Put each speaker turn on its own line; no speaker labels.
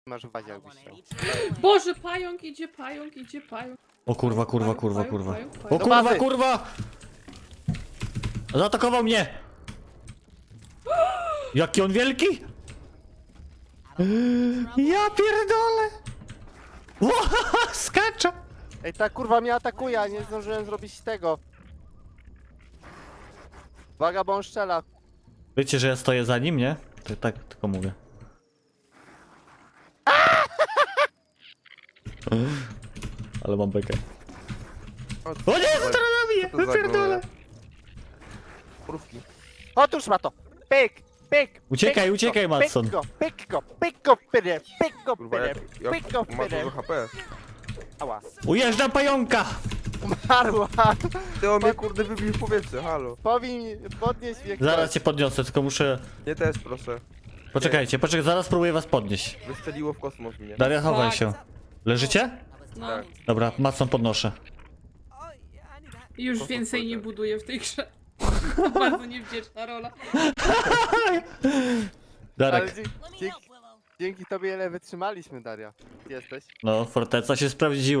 Masz w bazie jakbyś chciał.
Boże, pająk idzie, pająk idzie, pająk.
O kurwa, kurwa, kurwa,
Pająk,
kurwa.
pająk,
O
pająk.
kurwa,
bazy.
kurwa! Zaatakował mnie! Jaki on wielki? Ja pierdolę! Skacza!
Ej, ta kurwa mnie atakuje, a nie zdążyłem zrobić tego. Uwaga, bo on strzela.
Wiecie, że ja stoję za nim, nie? To tak tylko mówię. Ale mam bekę. O nie, co teraz nabije?
Co to za
Wypierdolę!
gnoje? Mrówki.
Otóż ma to. Pyk, pyk.
Uciekaj,
pyk
uciekaj,
go,
Matson.
Pyk go, pyrę, pyk go,
Kurwa,
pyrę, pyk go,
jak ma
pyrę.
dużo HP.
Ała.
Ujeżdżam pająka!
Umarła.
Ty on mnie kurde wybił w powietrze, halo.
Podnieść mnie
Zaraz
ktoś.
cię podniosę, tylko muszę...
Nie też proszę.
Poczekajcie, zaraz spróbuję was podnieść.
Wystrzeliło w kosmos mnie.
Daria, chowaj
Tak.
się. Leżycie?
No,
Tak.
Dobra, Matson podnoszę.
już więcej nie buduję w tej grze. Bardzo niewdzięczna rola.
Ale
Darek,
dzięki tobie ile wytrzymaliśmy, Daria. Jesteś?
no, forteca się sprawdziła.